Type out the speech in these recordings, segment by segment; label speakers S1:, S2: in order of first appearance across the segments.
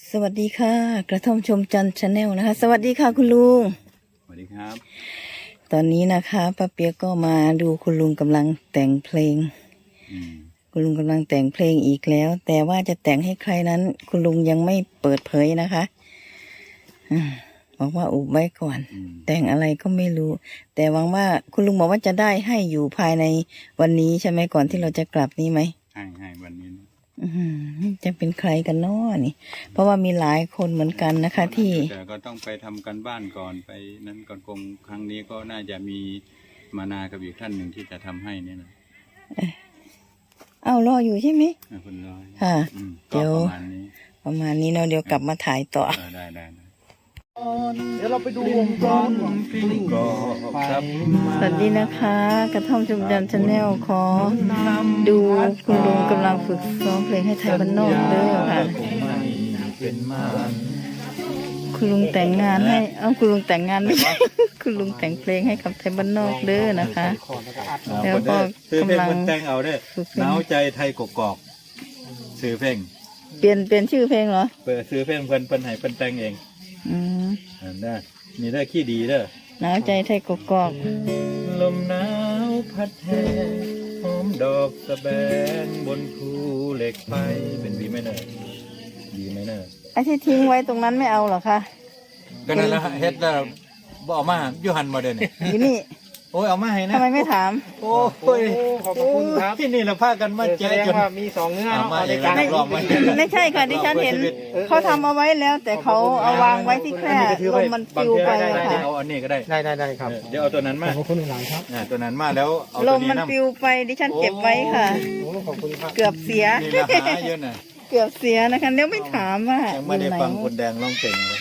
S1: สวัสดีค่ะกระท่อมชมจันทร์ชาแนลนะคะสวัสดีค่ะคุณลุง
S2: สวัสดีครับ
S1: ตอนนี้นะคะป้าเปียกก็มาดูคุณลุงกำลังแต่งเพลงคุณลุงกำลังแต่งเพลงอีกแล้วแต่ว่าจะแต่งให้ใครนั้นคุณลุงยังไม่เปิดเผยนะคะบอกว่าอุบไว้ก่อนแต่งอะไรก็ไม่รู้แต่หวังว่าคุณลุงบอกว่าจะได้ให้อยู่ภายในวันนี้ใช่ไหมก่อนที่เราจะกลับนี้ไหม
S2: ให้วันนี้
S1: จะเป็นใครกันน้อนี่เพราะว่ามีหลายคนเหมือนกันนะคะที่
S2: แต่ก็ต้องไปทำกันบ้านก่อนไปนั้นก่อนคงครั้งนี้ก็น่าจะมีมานากับอีกท่านหนึ่งที่จะทำให้เนี่ยนะ
S1: รออยู่ใช่ไหม
S2: คุณร้อย
S1: ค่ะ
S2: เดี๋ยว
S1: ประมาณนี้เนาะเดี๋ยวกลับมาถ่ายต่อ
S2: ได้
S3: เดี๋ยวเราไปดูวงจร
S2: ครับ
S1: สวัสดีนะคะกระท่อมชมจันทร์ชาแนลขอดูคุณลุงกำลังฝึกซ้อมเพลงให้ไทยบ้านนอกเด้อค่ะคุณลุงแต่งงานให้คุณลุงแต่งงานไม่ใช่คุณลุงแต่งเพลงให้กับไทยบ้านนอกเด้อนะคะแล้วก็กำลัง
S2: แต่งเอาเด้อหนาวใจไทยกกอกซื้อเพลง
S1: เปลี่ยนชื่อเพลงเหรอ
S2: ซื้อเพลงเพิ่นให้เพิ่นแต่งเองได้นี่ได้ขี้ดีเด้อ
S1: หนาวใจไทยกกอก
S2: ลมหนาวพัดแห่หอมดอกสะแบงบนภูเหล็กไฟเป็นดีไหมเนอะดีไหมเนอะ
S1: ไอ้ที่ทิ้งไว้ตรงนั้นไม่เอาหรอคะ
S2: ก็นั่นละเฮ็ดแล้วบ่เอามาอยู่หันมาเด้อ
S1: นี่
S2: โอ้ยเอามาให้นะ
S1: ทำไมไม่ถาม
S2: โอ้ย
S3: ขอบคุณครับ
S2: ที่นี่เราพากันมาแจกจน
S3: ว่ามี2เงื่อน
S2: ในการ
S1: ไม่ใช่ค่ะดิฉันเห็นเขาทำเอาไว้แล้วแต่เขาเอาวางไว้ที่แคร่ลมมันปลิวไปค่ะ
S2: เอาอันนี้ก็ได้
S3: ได้ครับ
S2: เดี๋ยวเอาตัวนั้นมา
S3: ขอบคุณหลังครับ
S2: ตัวนั้นมาแล้วเอา
S1: ลมมันปลิวไปดิฉันเก็บไว้ค่ะ
S3: ขอบคุณครับ
S1: เกือบเสีย
S2: นี่ราคาเยอะน่ะ
S1: เกือบเสียนะคะเดี๋ยวไม่ถามว่า
S2: ยังไม่ได้ฟังคนแดงร้องเก่งเลย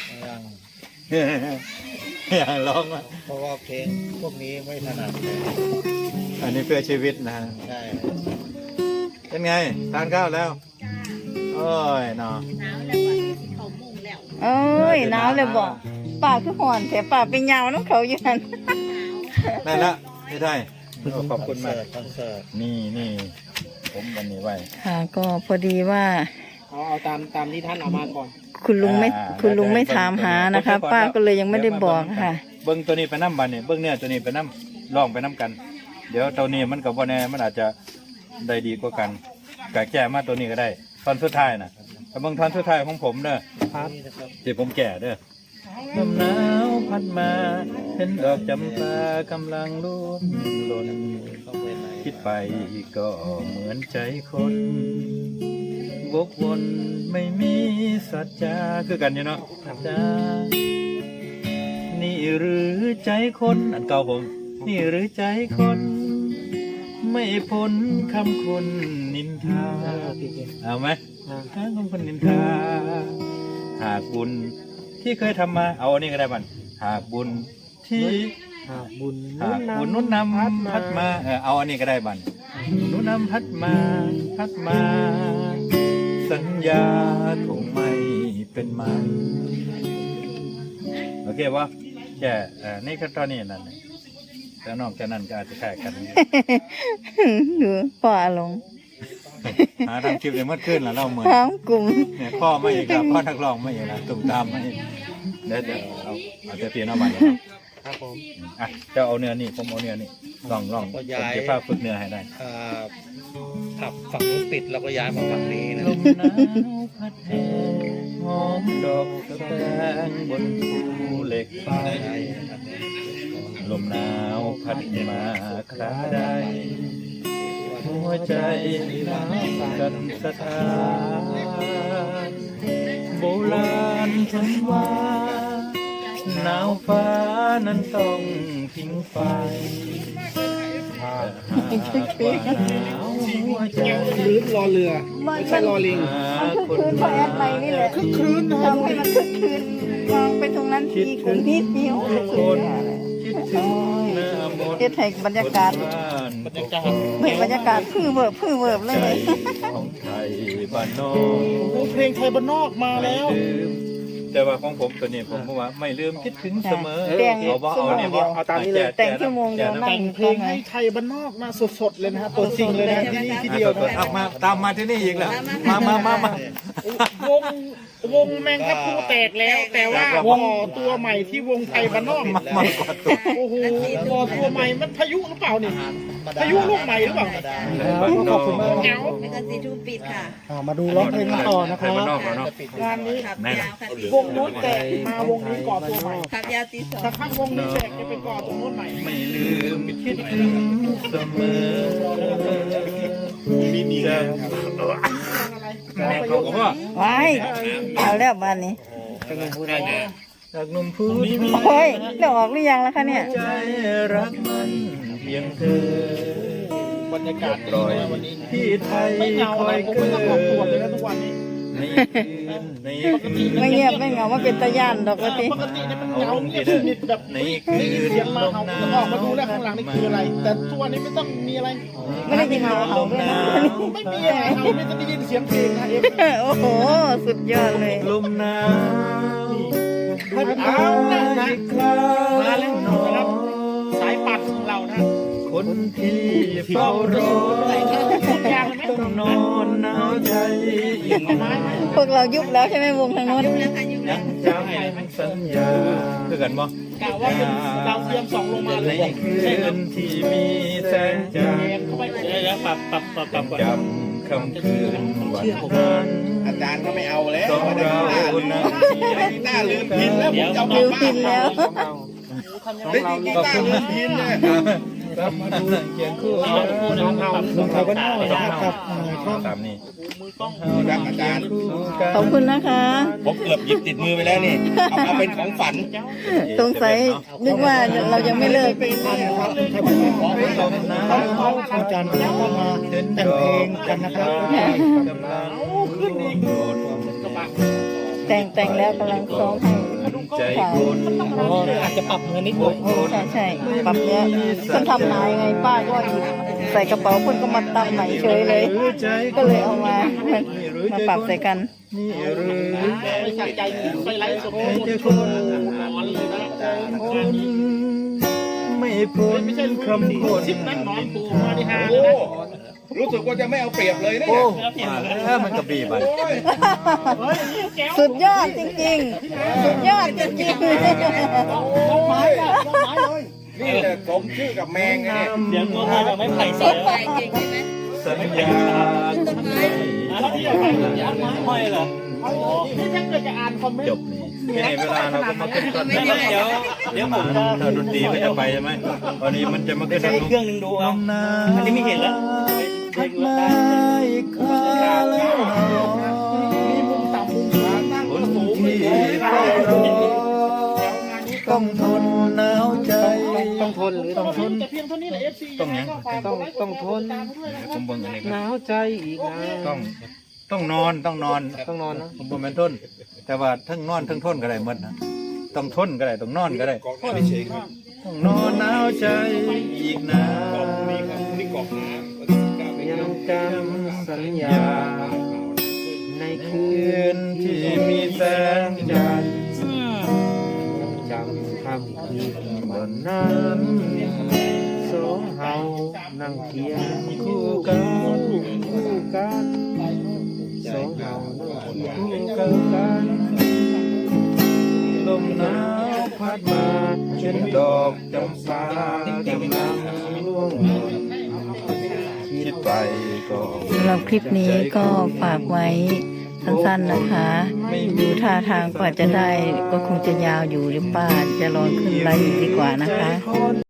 S2: ร้อง
S3: เพราะว่าเพลงพวกนี้ไม่ถนัด
S2: อันนี้เพื่อชีวิตนะ
S3: ใช่
S2: เป็นไงทานข้าวแล้วโอ้ยเนาะ
S1: โอ้ยหนาวเลยบอกปากคือห่อนแต่ปากเป็นยาวน้องเขาอยู่นั่น
S2: ได้ละไม่ได้ขอบคุณมากนี่ผมวันนี้ไว้
S1: ค่ะก็พอดีว่า
S3: เอาตามที่ท่านเอามาก่อน
S1: คุณลุงไม่ถามหานะคะป้าก็เลยยังไม่ได้บอกค่ะ
S2: เบิ้งตัวนี้ไปน้ำบันเนี่ยเบิ้งเนี่ยตัวนี้ไปน้ำลองไปน้ำกันเดี๋ยวตัวนี้มันกับว่าแน่มันอาจจะได้ดีกว่ากันกะแก่มาตัวนี้ก็ได้ตอนสุดท้ายนะแต่บางตอนสุดท้ายของผมเด้อที่ผมแก่เด้อลมหนาวพัดมาเห็นดอกจำปากำลังร่วงหล่นคิดไปก็เหมือนใจคนวกวนไม่มีสัจจาคือกันอยู่เนาะจ้านี่หรือใจคนอันเก่าผมนี่หรือใจคนไม่พ้นคำคนนินทาเอาไหมคำคนนินทาหากบุญที่เคยทำมาเอาอันนี้ก็ได้บันหากบุญนุ่นนำพัดมาเอาอันนี้ก็ได้บันนุ่นนำพัดมาสัญญาคงไม่เป็นไม้โอเควะแค่นี่ก็ตอนนี้นั่นแต่นอกจากนั้นก็อาจจะแข่กัน
S1: ดูพ่ออารมณ์
S2: ทำคลิปเลยเมื่อคืนแล้วเราเหมือน
S1: กลุ่ม
S2: เนี่ยพ่อไม่อีกแล้วพ่อนักร้องไม่อีกแล้วตุ่มตามไม่เดี๋ยวเอาจะเปลี่ยนเอาใหม่
S3: ครับผม
S2: จะเอาเนื้อนี่ผมเอาเนื้อนี่ลองผมจะพาฝึกเนื้อให้ได้
S3: ขับฝั่งนู้นปิดเราก็ย้ายมาฝั่งนี้นะ
S2: ลมหนาวพัดแห่หอมดอกกระแตงบนภูเหล็กไฟลมหนาวพัดมาคราใดหัวใจหนาวกันสะท้านโบราณฉันว่าหนาวฟ้านั้นต้องทิ้งไฟ
S3: รื้นรอเรือไม่ใช่รอลิง
S1: คึกคืนพอแอดไปนี่แหละ
S3: คึกคืน
S1: ทำให้มันคึกคืนมองไปตรงนั้นทีกลุ่มนี้มีโอ้โหเฮ็ดให้บรรยากาศพื้นเวิบเลย
S2: ของไทยบ้านนอ
S3: กเพลงไทยบ้านนอกมาแล้ว
S2: แต่ว่าของผมตัวนี้ผมว่าไม่ลืมคิดถึงเสมอ
S3: เอาตามนี้เลย
S1: แต่งชั่วโมงเดียว
S3: แต่งเพลงให้ไทยบ้านนอกมาสดๆเลยนะฮะตัวจริงเลยนะที่นี่ที่เดียว
S2: ตามมาที่นี่อีกแล้วมา
S4: วงแมงทับพลูแตกแล้ว แต่ว่าวงตัวใหม่ที่วงไทยบ้านนอก
S2: มากกว่าตัว
S4: โอ้โหวอตัวใหม่มันพายุหรือเปล่านี่พายุลูกใหม่หรือเปล่า
S5: ขอบคุณมาก
S4: เหงา
S6: ไม่กันสีทูปิดค่ะ
S5: มาดูร้องเพลงกันต่อนะค
S2: ไท
S5: รั
S2: ย
S5: บ
S2: บ้านนอกเนาะ
S4: งานนี้
S6: ขับยาวค่ะ
S4: วงนู้นแตกมาวงนี้ก่อตัวใหม่
S6: ขับยาวตีสอง
S4: สักพักวงนี้แตกจะไปก่อตรงนู้นใหม่
S2: ไม่ลืมคิดถึงเสมอจะแม่เขาก็ว่า
S1: ไว้เอาแล้วบ้านนี้
S2: จากหนุ่มพูด
S1: โอ้ยเดี๋ยวออกหรือยังแล้วคะเนี่ย
S2: ใจรักมันเพียงเธอบ
S4: รรยากาศ
S2: ปล่อยที่ไทย
S4: ไม่เหงา
S2: ค
S4: อะไร
S2: อย
S4: ผม
S2: เกิ
S4: ไม่ต้องออกตรวจเลยนะทุกวันนี้
S2: ในคืนในคืน
S1: ไม่เงียบไม่เหงาว่าเป็นตะย่านดอกกะติ
S4: ปกติเนี่ยมันเหงาเงียบสนิทแบบ
S2: ใน
S4: ได้
S2: คื
S4: ยิน
S2: น
S4: เสียงมาเขาจะออกมาดูแล้วข้างหลังนี่คืออะไร แต่ทุกวันนี้ไม่ต้องมีอะไร
S1: ไม่ได้ยินเขาเขาด้วยนะ
S4: ไม่มีอะไรเขาไม่ต้องได้ยินเสียงเพลงนะเอ็ม
S1: โอ้โห สุดยอดเลย
S2: ลมหนาวพัด
S4: เอานะนะ
S2: คลา
S4: มาแล้วนะครับ สายปัดของเรานะ
S2: คนที่เฝ้ารอ
S4: ทุกอย่างเลยไหม
S2: ต้องนอนหนาวใจยิ่ง
S4: ไม้ไหม
S1: พวกเรายุบแล้วใช่ไหมวงทางโน้น
S6: ยุ่งแล้วค่ะยุ่งแล้ว
S2: จำสัญญาคือกันบ่
S4: กะว่าเป็นดาวเทียมส่องลงมาเล
S2: ใน
S4: ย
S2: คืนที่มีแสงจันทร์
S4: เข้าไป
S3: เดี๋ยวปรับก่อน
S2: จำคำคืนวันนั้น
S7: อาจารย์ก็ไม่เอาแล้ว
S2: สองเรานั้น
S7: กีตาร์ลืมพินแล้วผมจะเอาก
S1: ลื
S7: ลับ
S1: ม
S7: บ้า
S1: พิ
S7: น
S1: นแล้ว
S7: ได้ยินกีตาร์ลืมพินเลย
S2: ครับมาดูเขียนคู่
S3: น้องเขา
S5: ลงไทยบ้านนอกนะครับช่อง
S2: ตามนี้
S7: ครับอาจารย์
S1: ขอบคุณนะคะ
S7: ผมเกือบหยิบติดมือไปแล้วนี่ เอามาเป็นของฝัน
S1: สงสัยนึกว่าเรายังไม่เลิก
S5: นะครับไทยบ้านนอกเขาอาจารย์ก็มาแต่งเพลงกันนะครับ
S2: กำลัง
S4: ขึ้นอีกกระบะ
S1: แต่งแล้วกำลังซ้อมให้
S2: ใจคน
S3: อาจจะปรับเงินนิดหน่อย
S1: ใช่ปรับเนี้ยคนทำหายไงป้าก็หยิบใส่กระเป๋าคนก็มาตำไหนเฉยเลย ก็เลยเอามาปรับใส่กัน
S2: นี่หรือ
S4: ไม่ใส่ใจไปไล่สด
S2: ใจคน
S4: นอนเลยนะ
S2: คนไม่พ้น
S4: ไม่ใช่
S2: คำพูด
S4: ชิปนั่นนอนปูมาดิฮะ
S7: โอ้รู้สึกว่าจะไม่เอาเปรียบเลยนะ
S2: โอ้
S7: เนี่ย
S2: มันกระบี่ไป
S1: สุดยอดจริงๆ สุดยอดจริงๆ
S7: นี่แต่สมชื่อกับแมงไงเนี่ย
S3: เดี๋ยวตัวไทยแบบไม่ไผ่เสีย
S6: ไปเก่งใช่ไหม
S2: สัญญา
S6: ต้นไม้
S3: ห้อยเหรอ
S4: นี่ถ้าเกิดจะอ่านคอมเมน
S2: จ
S4: ต์
S2: บนี่ไม่ให้เวลาเราก็มาขึ้นต้น
S6: ไม่ได้
S3: เดี๋ยวผมจะ
S2: ถ้าดนตรีก็จะไปใช่ไหมตอนนี้มันจะมาขึ้น
S3: ใช้เครื่องนึงดูเอาอันนี้ไม่เห็นแล้ว
S2: พัดมาอีกคราแล้ว
S4: มีมุมต่ำมุมสูงตั้ง
S2: ค
S4: ก็
S2: น
S4: สูง
S2: ที่เฝ้ารอต้องทนหนาวใจ
S5: ต้องทนหรือต้องทน
S4: แต่เพียงเท่านี้แหละ FC
S2: ต้องยัง
S5: ต้องทน
S2: ผมเบิ่งอันนี้
S5: หนาวใจอีกนะ
S2: ต้องนอนต้องนอน
S5: ต้องนอนนะ
S2: ผมบ่แม่นทนแต่ว่าทั้งนอนทั้งทนก็ได้หมดนะต้องทนก็ได้ต้องนอนก็ได้ ต้องนอนหนาวใจอีกนาน
S5: ยังจำสัญญา ในคื
S2: คื
S5: น
S2: นที่มีแสงจันทร์
S5: จำคำคืนวันนั้นสองเฮานั่งเคียงคู่กันสองเฮานั่งเคียงคู่กัน
S2: ลมหนาวพัดมาเช่นดอกจำปากำลังร่วงหล่นคิดไปก็
S1: สำหรับคลิปนี้ก็ฝากไว้สั้นๆนะคะ ดูท่าทางกว่าจะได้ก็คงจะยาวอยู่หรือป้าจะรอขึ้นไลฟ์อีกดีกว่านะคะ